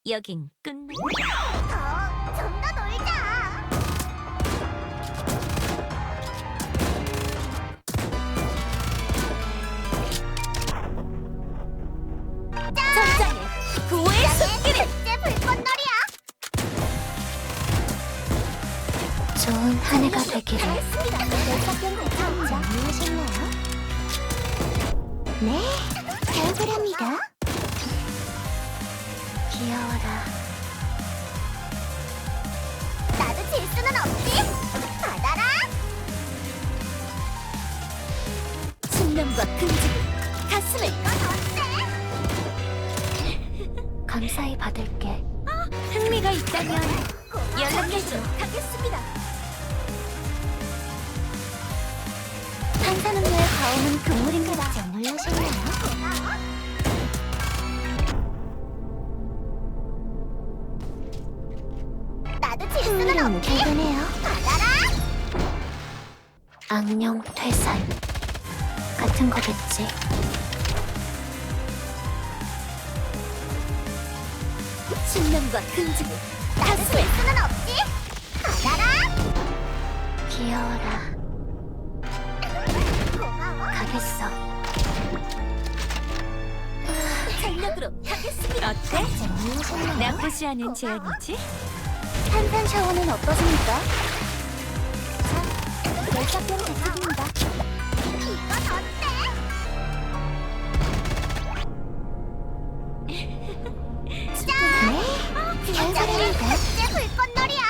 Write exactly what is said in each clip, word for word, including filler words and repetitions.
여긴 끝내. 더, 좀 더 놀자. 전장에 구호의 손길을. 제 불꽃놀이야. 좋은 한 해가 되기를. 잘했습니다. 열사병 발전자 안녕하셨나요? 네, 잘그랍니다. 귀여워라. 나도 질 수는 없지. 받아라. 신념과 긍지를 가슴을. 이거 어때? 감사히 받을게. 흥미가 있다면 고마워. 연락해줘. 하겠습니다. 탄산음료의 과오는 금물인가봐. 안 놀라셨나요? 고마워. 나도 질 수는 흥미로운 없지. 결과네요. 받아라. 악령 퇴산 같은 거겠지. 신념과 긍지를 나도 질 수는 없지. 받아라. 귀여워라. 고마워. 가겠어. 전력으로 하겠습니다. 어때? 놀라셨나요? 나쁘지 않은 제안이지? 탄산 샤워는 어떠십니까? 열사병 대책입니다. 이건 어때? 네, 잘 살아갑니다. 제 불꽃놀이야.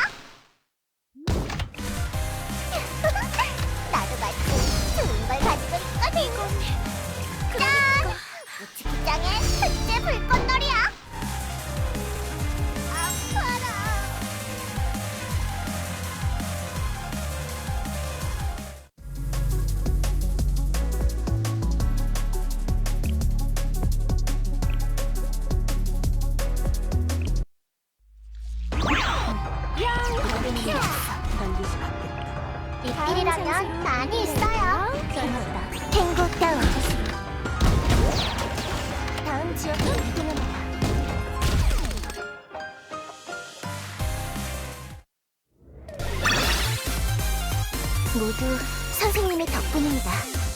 나도 마치 좋은 걸 가지고 있거든. 짠! 우측장의 흑제 불꽃놀이야. 아파라. 이필이라면 많이 있어요. 탱고 다운. 다음 지역으로 이동합니다. 모두 선생님의 덕분입니다.